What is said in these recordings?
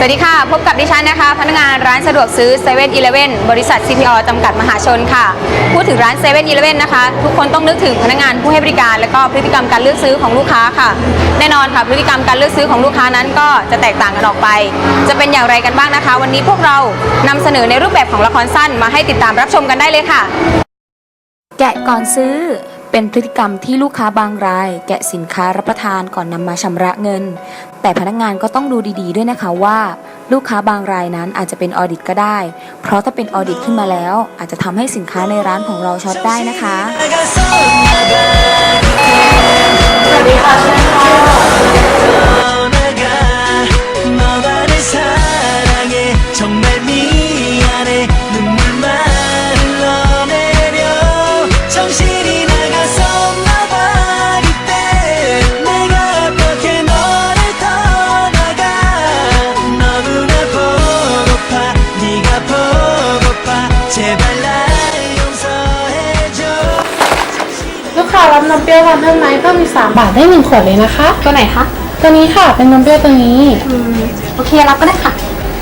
วัสดีค่ะพบกับดิฉันนะคะพนักงานร้านสะดวกซื้อ7 e เ e ่ e บริษัท CPO จำกัดมหาชนค่ะพูดถึงร้าน7 e เ e ่ e นะคะทุกคนต้องนึกถึงพนักงานผู้ให้บริการและก็พฤติกรรมการเลือกซื้อของลูกค้าค่ะแน่นอนค่ะพฤติกรรมการเลือกซื้อของลูกค้านั้นก็จะแตกต่างกันออกไปจะเป็นอย่างไรกันบ้างนะคะวันนี้พวกเรานำเสนอในรูปแบบของละครสั้นมาให้ติดตามรับชมกันได้เลยค่ะแกะก่อนซื้อเป็นพฤติกรรมที่ลูกค้าบางรายแกะสินค้ารับประทานก่อนนำมาชำระเงินแต่พนักงานก็ต้องดูดีๆด้วยนะคะว่าลูกค้าบางรายนั้นอาจจะเป็นออดิตก็ได้เพราะถ้าเป็นออดิตขึ้นมาแล้วอาจจะทำให้สินค้าในร้านของเราช็อตได้นะคะสวัสดีค่ะเชิญค่ะลูกค้ารับนมเปรี้ยววันเพิ่มไหมเพิ่มอีก3 บาทได้1 ขวดเลยนะคะตัวไหนคะตัวนี้ค่ะเป็นนมเปรี้ยวตัวนี้โอเครับก็ได้ค่ะ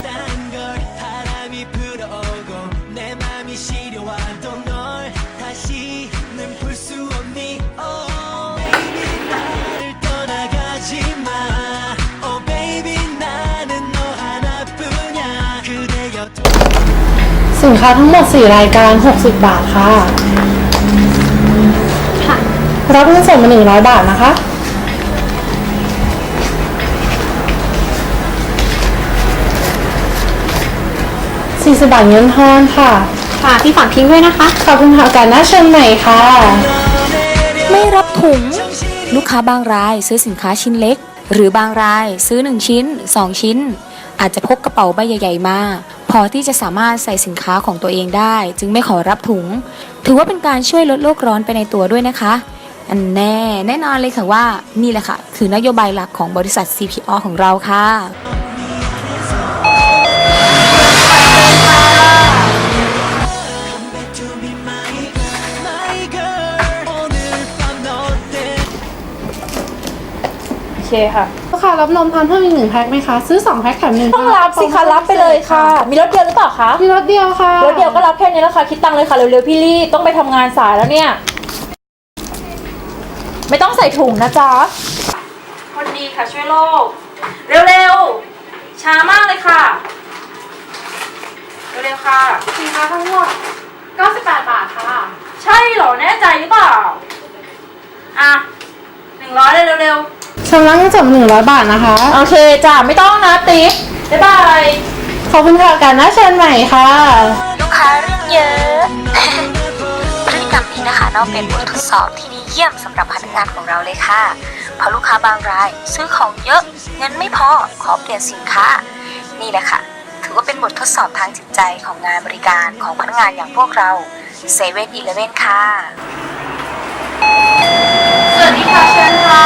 สินค้าทั้งหมด4 รายการ60 บาทค่ะรับเงินสดมา100 บาทนะคะ40 บาทเงินทอนค่ะพี่ฝากทิ้งด้วยนะคะขอบคุณค่ะการน่าเชิญใหม่ค่ะไม่รับถุงลูกค้าบางรายซื้อสินค้าชิ้นเล็กหรือบางรายซื้อ1 ชิ้น 2 ชิ้นอาจจะพกกระเป๋าใบใหญ่ๆมาพอที่จะสามารถใส่สินค้าของตัวเองได้จึงไม่ขอรับถุงถือว่าเป็นการช่วยลดโลกร้อนไปในตัวด้วยนะคะอันแน่นอนเลยค่ะว่านี่แหละค่ะคือนโยบายหลักของบริษัท CPO ของเราค่ะโอเคค่ะลูกค้ารับนมทานเพิ่มอีก1 แพ็คไหมคะซื้อ2 แพ็คแถม1 ต้องรับสิคะรับไปเลยค่ะมีรถเดียวหรือเปล่าคะมีรถเดียวค่ะรถเดียวก็รับแค่นี้แล้วค่ะคิดตังค์เลยค่ะเร็วๆพี่ลี่ต้องไปทำงานสายแล้วเนี่ยไม่ต้องใส่ถุงนะจ๊ะคนดีค่ะช่วยโลกเร็วๆช้ามากเลยค่ะเร็วๆค่ะสินค้าทั้งหมด98 บาทค่ะใช่เหรอแน่ใจหรือเปล่าอ่ะ100เลยเร็วชำระเงินสด100 บาทนะคะโอเคจ้ะไม่ต้องนะติ๊บบ๊ายบายขอบคุณค่ะการน่าเชิญใหม่ค่ะลูกค้าเรื่องเยอะพฤติกรรมนี้นะคะเราเป็นบททดสอบที่ดีเยี่ยมสำหรับพนักงานของเราเลยค่ะเพราะลูกค้าบางรายซื้อของเยอะเงินไม่พอขอเปลี่ยนสินค้านี่แหละค่ะถือว่าเป็นบททดสอบทางจิตใจของงานบริการของพนักงานอย่างพวกเรา7 e เ e ่ e ค่ะสวัสดีค่ะเชิญค่ะ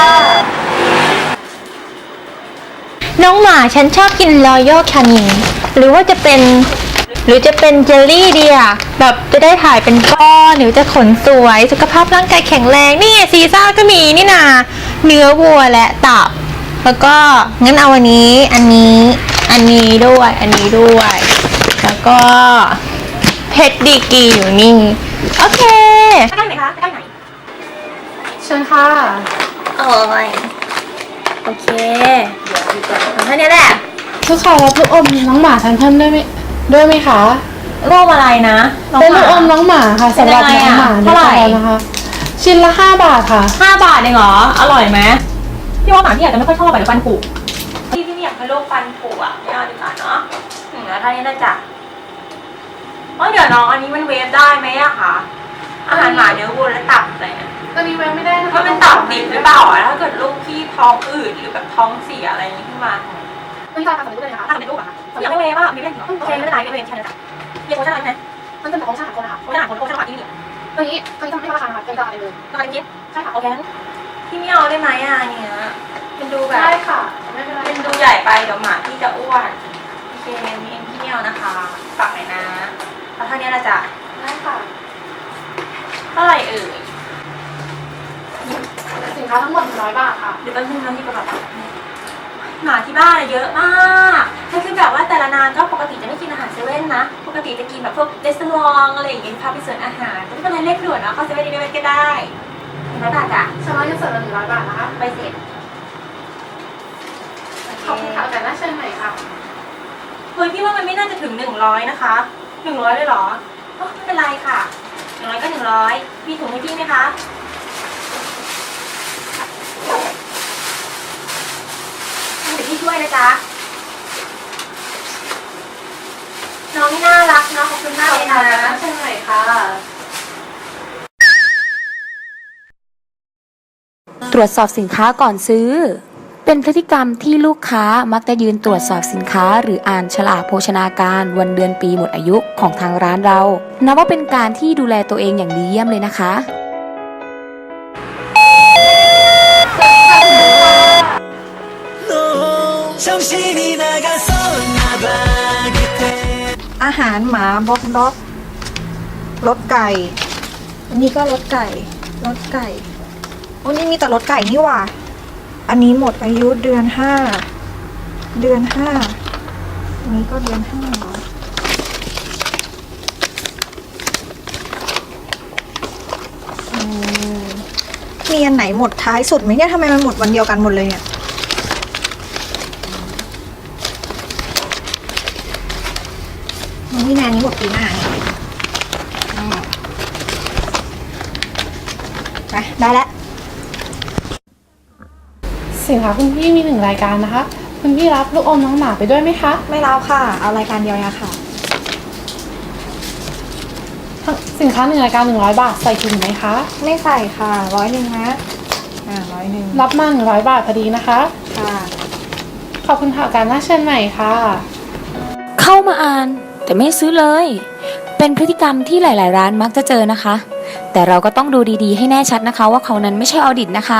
น้องหมาฉันชอบกินรอยัลแคนินหรือจะเป็นเจลลี่ดีอะแบบจะได้ถ่ายเป็นก้อนหรือจะขนสวยสุขภาพร่างกายแข็งแรงนี่ซีซ่าก็มีนี่นาเนื้อวัวและตับแล้วก็งั้นเอาอันนี้ด้วยแล้วก็เพชรดีกีอยู่นี่โอเคได้ไหมคะได้ไหนเชิญค่ะโอ้ยโอเคเอาแค่นี้แหละลูกค้ารับลูกอมน้องหมาทานเพิ่มด้วยไหมคะรูปอะไรนะเป็นลูกอมน้องหมาค่ะสำหรับน้องหมาเท่าไหร่นะคะชิ้นละ5 บาทค่ะ 5 บาทเองเหรออร่อยไหมพี่ว่าหมาพี่อาจจะไม่ค่อยชอบแบบฟันผุพี่ไม่อยากให้โรคฟันผุอ่ะไม่เอาดีกว่าเนาะแล้วท่านี้ได้จ้ะเดี๋ยวน้องอันนี้มันเวฟได้ไหมอะคะอาหารหมาเนื้อวัวและตับอะไรเนี่ยตัวนี้เวฟไม่ได้นะคะมันเป็นตับดิบหรือเปล่าอะถ้าเกิดลูกพี่ท้องอืดหรือแบบท้องเสียอะไรอย่างนี้ขึ้นมาไม่ได้ทำแบบนี้เลยนะคะทำเป็นรูปอะคะอยากให้เวฟอะมีเรื่องโอเคไม่เป็นไรไม่เป็นใช่ไหมจ๊ะมีโค้ชอะไรไหมมันจะเป็นโค้ชอาหารคนนะคะโค้ชอาหารคนโค้ชอาหารที่นี่ตัวนี้จะไม่ราคาค่ะเป็นตลาดเลยตลาดจิ๊บใช่ค่ะโอเคพี่ไม่เอาได้ไหมอะเนี่ยเป็นดูแบบได้ค่ะไม่เป็นไรเป็นดูใหญ่ไปเดี๋ยวหมาพี่จะอ้วนโอเคมีเองพี่ไม่เอานะคะฝากหน่อยนะแล้วเท่านี้ละจ้ะได้ค่ะเท่าไหร่เอ่ยสินค้าทั้งหมด100 บาทค่ะเดี๋ยวแป๊บนึงนะที่กระเป๋าหมาที่บ้านเยอะมากคือแบบว่าแต่ละนานก็ปกติจะไม่กินอาหารเซเว่นนะ ปกติจะกินแบบพวกเรสซองอะไรอย่างเงี้ยพาไปสวนอาหารไม่เป็นไรเรียกด่วนนะเข้าเซเว่นอีเลฟเว่นก็ได้100 บาทจ้ะชำระเงินสดละ100 บาทนะคะไปเสร็จขอบคุณค่ะแต่หน้าเชิญใหม่ค่ะเฮ้ยพี่ว่ามันไม่น่าจะถึง100นะคะ100เลยเหรอไม่เป็นไรค่ะ100ก็100มีถุงให้พี่ไหมคะเดี๋ยวพี่ช่วยนะจ๊ะน้องนี่น่ารักเนาะขอบคุณมากเลยนะเชิญใหม่ค่ะตรวจสอบสินค้าก่อนซื้อ เป็นพฤติกรรมที่ลูกค้ามักจะยืนตรวจสอบสินค้าหรืออ่านฉลากโภชนาการวันเดือนปีหมดอายุของทางร้านเรานับว่าเป็นการที่ดูแลตัวเองอย่างดีเยี่ยมเลยนะคะอาหารหมาบล็อกด็อกรสไก่ อันนี้ก็รสไก่รสไก่โอ้นี่มีแต่รสไก่นี่หว่า อันนี้หมดอายุเดือนห้าอันนี้ก็เดือนห้าเหรอมีอันไหนหมดท้ายสุดไหมเนี่ยทำไมมันหมดวันเดียวกันหมดเลยเนี่ยนี่แนนนี้หมดปีหน้าเนี่ยไปได้แล้วสินค้าคุณพี่มี1 รายการนะคะ คุณพี่รับลูกอมน้องหมาไปด้วยไหมคะไม่รับค่ะ เอารายการเดียวเนี่ยค่ะสินค้า1 รายการ100 บาทใส่ถุงไหมคะไม่ใส่ค่ะ100นะ100 รับมา100 บาทพอดีนะคะค่ะขอบคุณค่ะการหน้าเชิญใหม่ค่ะเข้ามาอ่านแต่ไม่ซื้อเลย เป็นพฤติกรรมที่หลาย ๆ ร้านมักจะเจอนะคะ แต่เราก็ต้องดูดี ๆ ให้แน่ชัดนะคะ ว่าเขานั้นไม่ใช่ออดิตนะคะ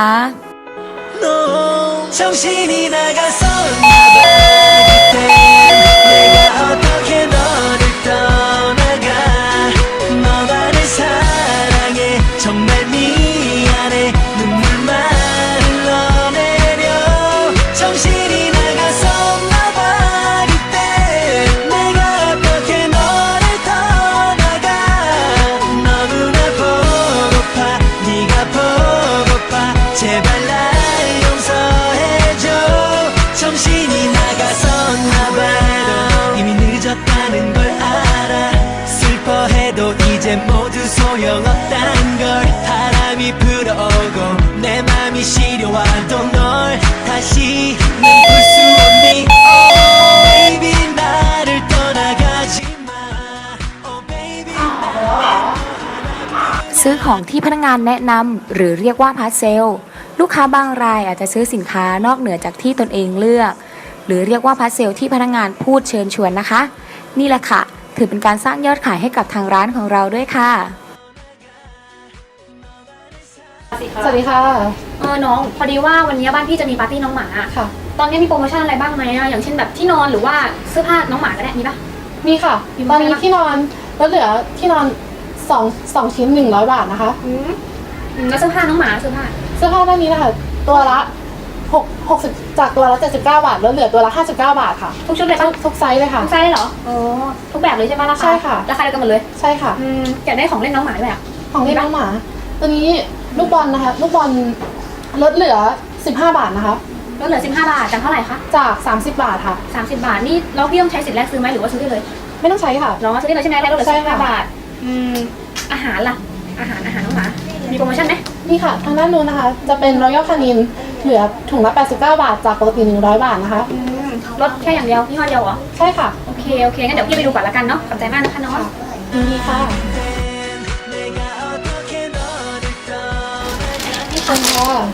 정신이 나가서 나봐 그때 내가 어떻게 너를 떠나가 너만을 사랑해 정말 미안해 눈물만 흘러내려 정신이 나가서 나봐 그때 내가 어떻게 너를 떠나가 너무나 보고파 네가 보고파 제발 날 용서해줘 정신이 나가서나봐 이미 늦었다는 걸 알아 슬퍼해도 이제 모두 소용없단 걸 바람이 불어오고 내 맘이 시려와도 널 다시는 볼 수 없니 Oh baby 나를 떠나가지 마 Oh baby ซื้อของที่พนักงานแนะนำหรือเรียกว่าพาร์ทเซล ลูกค้าบางรายอาจจะซื้อสินค้านอกเหนือจากที่ตนเองเลือก หรือเรียกว่าพาร์ทเซลที่พนักงานพูดเชิญชวนนะคะ นี่แหละค่ะ ถือเป็นการสร้างยอดขายให้กับทางร้านของเราด้วยค่ะสวัสดีค่ะน้องพอดีว่าวันนี้บ้านพี่จะมีปาร์ตี้น้องหมาค่ะตอนนี้มีโปรโมชั่นอะไรบ้างไหมอะอย่างเช่นแบบที่นอนหรือว่าเสื้อผ้าน้องหมาก็ได้มีปะมีค่ะมีตอนนี้ไหมคะที่นอนลดเหลือที่นอน2 ชิ้น100 บาทนะคะแล้วเสื้อผ้าน้องหมาเสื้อผ้าเสื้อผ้าด้านนี้นะคะ ตัวละ60จากตัวละ79 บาทลดเหลือตัวละ59 บาทค่ะทุกชุดเลยปะทุกไซส์เลยค่ะทุกไซส์เลยเหรอโอ้ทุกแบบเลยใช่ปะราคาใช่ค่ะราคาเดียวกันหมดเลยใช่ค่ะอยากได้ของเล่นน้องหมาด้วยอะของเล่นน้องหมา ตัวนี้ลูกบอลนะคะ ลูกบอลลดเหลือ15 บาทนะคะลดเหลือ15 บาทจากเท่าไหร่คะจาก30 บาทค่ะ 30 บาทนี่แล้วพี่ต้องใช้สิทธิ์แรกซื้อไหมหรือว่าซื้อได้เลยไม่ต้องใช้ค่ะน้องซื้อได้เลยใช่ไหมแล้วลดเหลือใช่ค่ะ 15 บาทอาหารล่ะอาหารน้องหมามีโปรโมชั่นไหมนี่ค่ะ ทางด้านนู้นนะคะ จะเป็นรอยัลคานินเหลือถุงละ89 บาท จากปกติ100 บาทนะคะลดแค่อย่างเดียวยี่ห้อเดียวเหรอใช่ค่ะโอเคงั้นเดี๋ยวพี่ไปดูก่อนละกันเนาะขอบใจมากนะคะน้องยินดีค่ะ 내가 어떻게 너를 떠나가 นี่ค่ะ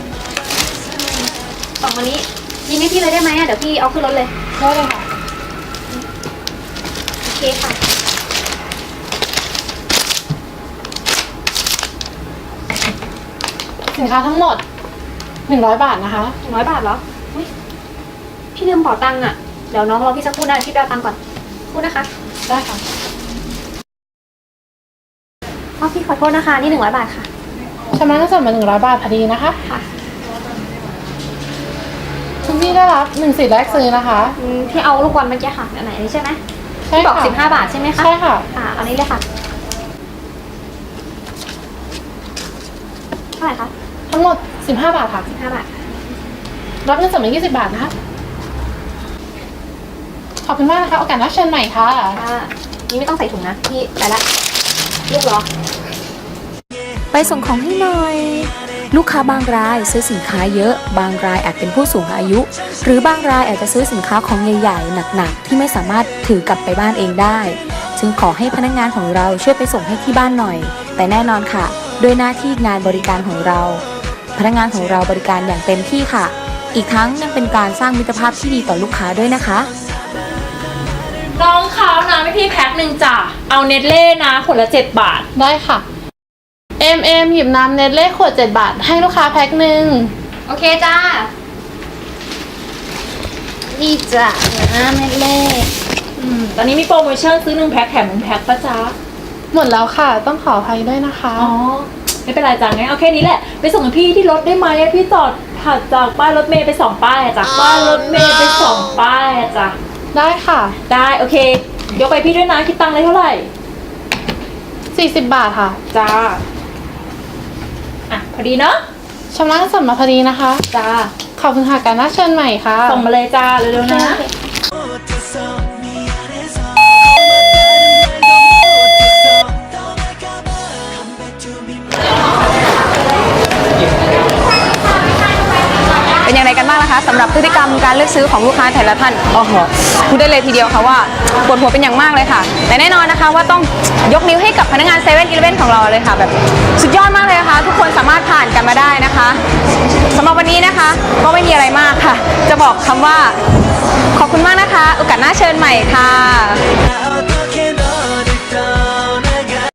สองวันนี้ยิงให้พี่เลยได้ไหมอะเดี๋ยวพี่เอาขึ้นรถเลยได้เลยค่ะโอเคค่ะสินค้าทั้งหมด100 บาทนะคะ 100 บาทเหรออุ๊ยพี่ลืมเป๋าตังค์อะเดี๋ยวน้องรอพี่สักครู่นะพี่ไปเอาตังค์ก่อนพูดนะคะได้ค่ะพี่ขอโทษนะคะนี่100 บาทค่ะชำระเงินสดมา100 บาทพอดีนะคะค่ะคุณพี่ได้รับ1 สิทธิ์แรกซื้อนะคะที่เอาลูกบอลเมื่อกี้ค่ะอันไหนนี่ใช่ไหมใช่ที่บอกค่ะ 15 บาทใช่ไหมคะใช่ค่ะอันนี้เลยค่ะเท่าไหร่คะทั้งหมด15 บาทค่ะ 15 บาทรับเงินสดมา20 บาทนะคะขอบคุณมากนะคะโอกาสหน้าเชิญใหม่ค่ะนี่ไม่ต้องใส่ถุงนะพี่ไปละลูกเหรอไปส่งของให้หน่อย ลูกค้าบางรายซื้อสินค้าเยอะ บางรายอาจเป็นผู้สูงอายุ หรือบางรายอาจจะซื้อสินค้าของใหญ่ๆหนักๆที่ไม่สามารถถือกลับไปบ้านเองได้จึงขอให้พนักงานของเราช่วยไปส่งให้ที่บ้านหน่อย แต่แน่นอนค่ะด้วยหน้าที่งานบริการของเรา พนักงานของเราบริการอย่างเต็มที่ค่ะ อีกทั้งยังเป็นการสร้างมิตรภาพที่ดีต่อลูกค้าด้วยนะคะน้องเขานะไม่พี่แพ็คหนึ่งจ้ะ เอาเนตเล่นะขวดละ7 บาทได้ค่ะหยิบน้ำเนสเล่ขวด7 บาทให้ลูกค้าแพ็คหนึ่งโอเคจ้านี่จ้ะน้ำเนสเล่ตอนนี้มีโปรโมชั่นซื้อ1 แพ็คแถม1 แพ็คปะจ๊ะหมดแล้วค่ะต้องขออภัยด้วยนะคะอ๋อ ไม่เป็นไรจ้ะงั้นเอาแค่นี้แหละ ไปส่งให้พี่ที่รถได้ไหมพี่จอดถัดจากป้ายรถเมย์ไป2 ป้ายอะจ้ะป้ายรถเมย์ไป2 ป้ายอะจ้ะได้ค่ะได้โอเค ยกไปพี่ด้วยนะคิดตังค์เลยเท่าไหร่ 40 บาทค่ะจ้า อ่ะพอดีเนาะชำระเงินสดมาพอดีนะคะจ้าขอบคุณค่ะการหน้าเชิญใหม่ค่ะส่งมาเลยจ้าเร็วๆนะ 못했어 미안해서 고맙다는 말도 못했어 떠날까봐 컴백준비 เป็นอย่างไรกันบ้างนะคะสำหรับพฤติกรรมการเลือกซื้อของลูกค้าแต่ละท่านโอ้โหพูดได้เลยทีเดียวค่ะว่าปวดหัวเป็นอย่างมากเลยค่ะ แต่แน่นอนนะคะว่าต้องยกนิ้วให้กับพนักงาน7-Elevenของเราเลยค่ะแบบสุดยอดมากเลยนะคะทุกคนสามารถผ่านกันมาได้นะคะสำหรับวันนี้นะคะก็ไม่มีอะไรมากค่ะ จะบอกคำว่าขอบคุณมากนะคะโอกาสหน้าเชิญใหม่ค่ะ